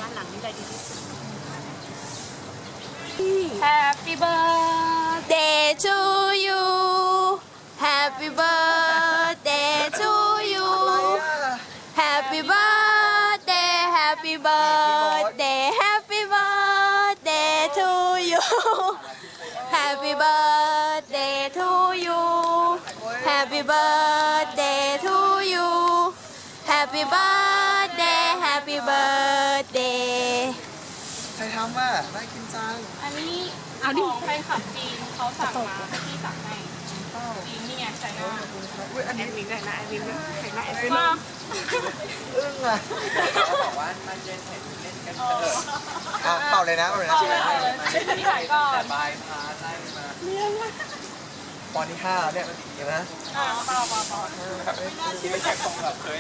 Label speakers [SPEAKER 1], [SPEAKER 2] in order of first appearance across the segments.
[SPEAKER 1] านหลังนี่ได้ดีที่สุด
[SPEAKER 2] Happy birthday to you Happy birthday to you Happy birthday Happy birthday Happy birthday to you Happy birthday to you Happy birthday to you Happy birthday Happy birthday
[SPEAKER 3] ใครทำอ่ะน่ากินจัง
[SPEAKER 2] อันนี้ของแฟนคลับจีนเขาสั่งมาให้พี่สั่งให้จีนนี่ไงใส่หน้า
[SPEAKER 3] อุ้ยอัน
[SPEAKER 1] แอ
[SPEAKER 3] นี้
[SPEAKER 1] ดมินได้นะแอดมินใส่หน้าแอดมิน
[SPEAKER 2] มา
[SPEAKER 3] อึ้งอ่ะ
[SPEAKER 4] เขาบอกว่ามันเล่นเสร็จเล่นกันเถอะ
[SPEAKER 3] อ่ะเป่าเลยนะเป่าเลยนะ
[SPEAKER 2] ต่อเลยพี่ถ่ายก่อน
[SPEAKER 4] บายพาไล่มา
[SPEAKER 3] ปอนที่5แล้วเนี่ยเห็นไหม
[SPEAKER 2] ต่อ
[SPEAKER 4] คิดไม่ใช่คงแบบเคย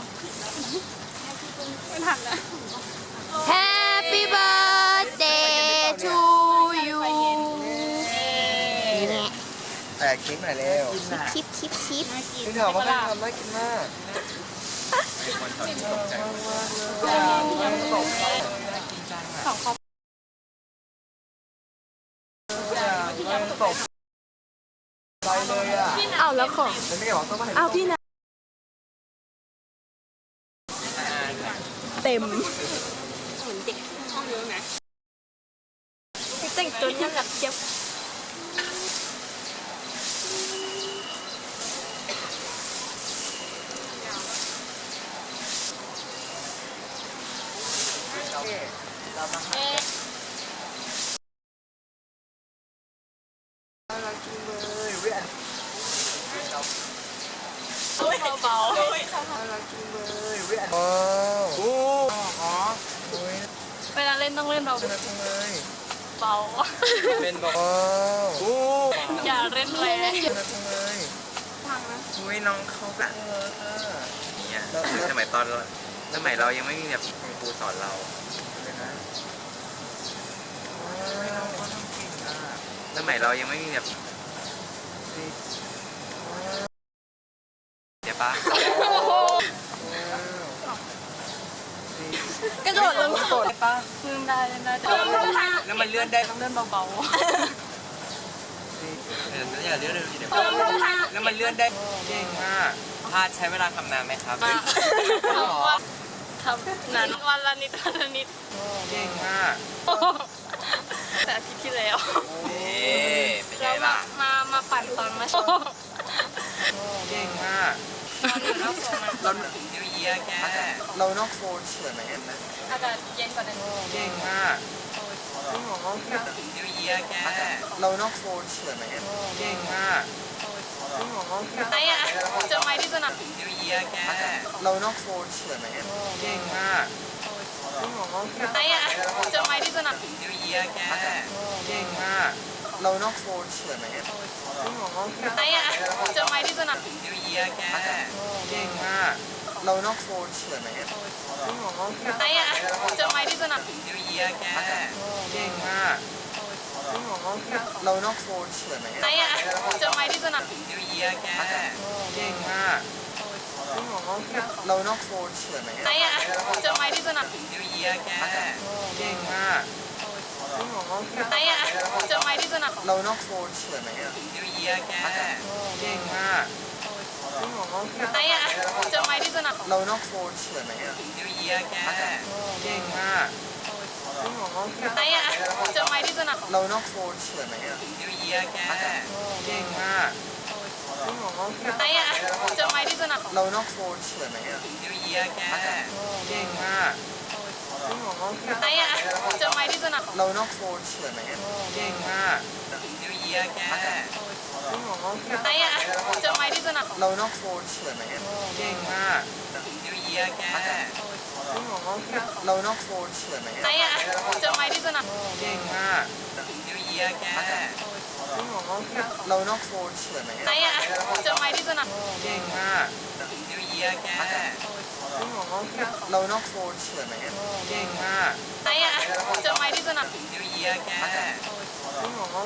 [SPEAKER 2] ไม่ทันแล้ว
[SPEAKER 5] Happy birthday to you
[SPEAKER 3] แต่เค้กหน่อยเร็ว
[SPEAKER 5] คิด
[SPEAKER 3] นี่ถามว่าใครทำน่ากินมาก
[SPEAKER 4] เป็นคนตอนนี้ตกใจหมดเลย
[SPEAKER 2] สองครอบ
[SPEAKER 3] ตกใจเลยอ่ะ
[SPEAKER 5] เอาแล้วของ
[SPEAKER 3] แล้วไม่บอกต้องมาเห็น
[SPEAKER 5] เอาพี่นะเต็ม
[SPEAKER 2] เหมือนเด็กห้องเยอะนะ
[SPEAKER 5] แต่งตัวน่ารักเจี๊ยบ
[SPEAKER 3] เรามาหาน่ารักจังเลยเว้ยอัน
[SPEAKER 2] เบา
[SPEAKER 3] น่ารักจังเลยเว้ยอันว้าวโอ้อ๋อโอ้ย
[SPEAKER 2] ๆเวลาเล่นต้องเล่นเบา
[SPEAKER 3] น่ารักจังเลย
[SPEAKER 2] เบา
[SPEAKER 4] เป็นบอก
[SPEAKER 3] ว้าวโอ้
[SPEAKER 2] อย่าเล่นแรง
[SPEAKER 3] น่ารักจังเลย
[SPEAKER 4] อุ้ยน้องเขาแบบเนี่ยสมัยตอนสมัยเรายังไม่มีแบบคุณครูสอนเราเลยนะสมัยเรายังไม่มีแบบเดี๋ยวปะ
[SPEAKER 5] กระโดดลง
[SPEAKER 3] โดดปะ
[SPEAKER 2] เล่นได้แต่
[SPEAKER 4] แล้วมันเลื่อนได้
[SPEAKER 2] ต้องเล่นเบา
[SPEAKER 4] อย่าเลื่อนเร็วดิเดี๋ยวแล้วมันเลื่อนได้เก่งมากพาดใช้เวลาทำนานไหมครับ
[SPEAKER 2] ๆทำนานวันละนิดวันละนิด
[SPEAKER 4] เก่งมาก
[SPEAKER 2] แต่อาทิตย์ที่แล้ว
[SPEAKER 4] นี่เป็นไง
[SPEAKER 2] เรา
[SPEAKER 4] ล่ะ
[SPEAKER 2] มาปั่นตอนมาโชว์
[SPEAKER 4] เก่งมาก
[SPEAKER 3] เรา
[SPEAKER 4] นิวเยียร์แก
[SPEAKER 3] เรานอกโซนสวยไหมนะ
[SPEAKER 2] อากาศเย็นกว่านั้น
[SPEAKER 4] เก่งมาก
[SPEAKER 3] จริงเหรอ
[SPEAKER 4] นิวเยียร์แก
[SPEAKER 3] เรานอกโซนสวยไหม
[SPEAKER 4] เก่งมาก
[SPEAKER 3] จริงเหรอ
[SPEAKER 2] ไอ้อะเจอไม้ที่สนาม
[SPEAKER 4] นิวเยียร์แก
[SPEAKER 3] เรานอกโซนสวยไหม
[SPEAKER 4] เก่งมาก
[SPEAKER 3] จริงเหรอ
[SPEAKER 2] ไอ้อะเจอไม้ที่สนาม
[SPEAKER 4] นิวเยียร์แกเก่งมาก
[SPEAKER 3] เรานอกโซนสวยไหมจริงเหรอ
[SPEAKER 2] ไอ้อะเจอไม้ที่สนาม
[SPEAKER 4] นิวเยียร์แกเก่งมาก
[SPEAKER 3] เรานอกโซนสวยไหมจริงเหรอ
[SPEAKER 2] ไอ้อะเจอไม้ที่สนาม
[SPEAKER 4] นิวเยียร์แกเก่งมาก
[SPEAKER 3] จริงเหรอเรานอกโซนสวยไหม
[SPEAKER 2] ไอ้อะเจอไม้ที่สนาม
[SPEAKER 4] นิวเยียร์แกเก่งมาก
[SPEAKER 3] จริงเหรอเรานอกโซนสวยไหม
[SPEAKER 2] ไอ้อะเจอไม้ที่สนาม
[SPEAKER 4] นิวเยียร์แกเก่งมาก
[SPEAKER 3] จริงเหรอ
[SPEAKER 2] ไอ้อะเจอไม้ที่สนาม
[SPEAKER 3] เรานอกโซนสวยไหม
[SPEAKER 4] นิวเยียร์แกเก่งมาก
[SPEAKER 3] จริงเหรอ
[SPEAKER 2] ไอ้อะเจอไม้ที่สนาม
[SPEAKER 3] เรานอกโซนสวยไหม
[SPEAKER 4] นิวเยียร์แกเก่งมาก
[SPEAKER 3] จริงเหรอ
[SPEAKER 2] ไอ้อะเจอไม้ที่สนาม
[SPEAKER 3] เรานอกโซนสวยไหม
[SPEAKER 4] นิวเยียร์แกเก่งมาก
[SPEAKER 3] จริงเหรอ
[SPEAKER 2] ไอ้อะเจอไม้ที่สนาม
[SPEAKER 3] เรานอกโซนสวยไหม
[SPEAKER 4] นิวเยียร์แกเก่งมาก
[SPEAKER 3] จริงเหรอ
[SPEAKER 2] ไอ้อะเจอไม้ที่สนาม
[SPEAKER 3] เรานอกโซนสวยไหม
[SPEAKER 4] เก่งมากนิวเยียร์แก
[SPEAKER 3] จริงเหรอ
[SPEAKER 2] ไอ้อะเจอไม้ที่สนาม
[SPEAKER 3] เรานอกโซนสวยไหม
[SPEAKER 4] เก่งมากนิวเยียร์แก
[SPEAKER 3] จริงเหรอเรานอกโซนสวยไหม
[SPEAKER 2] ไอ้อะเจอไม้ที่สนาม
[SPEAKER 4] เก่งมากนิวเยียร์แก
[SPEAKER 3] จริงเหรอเรานอกโซนสวยไหม
[SPEAKER 2] ไอ้อะเจอไม้ที่สนาม
[SPEAKER 4] เก่งมากนิวเยียร์แก
[SPEAKER 3] จริงเหรอเรานอกโซนสวยไหม
[SPEAKER 4] เก่งมาก
[SPEAKER 2] ไอ้อะเจอไม้ที่สนาม
[SPEAKER 4] นิวเยียร์แก
[SPEAKER 3] จริงเหรอ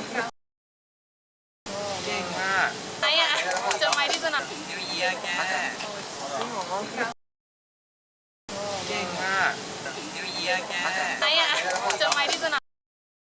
[SPEAKER 4] เก่งมาก
[SPEAKER 2] ไอ้อะเจอไม้ที่สนาม
[SPEAKER 4] นิวเยียร์แก
[SPEAKER 3] จริงเหรอ
[SPEAKER 4] เก่งมากนิวเยียอะแก
[SPEAKER 2] ไหนอ่ะ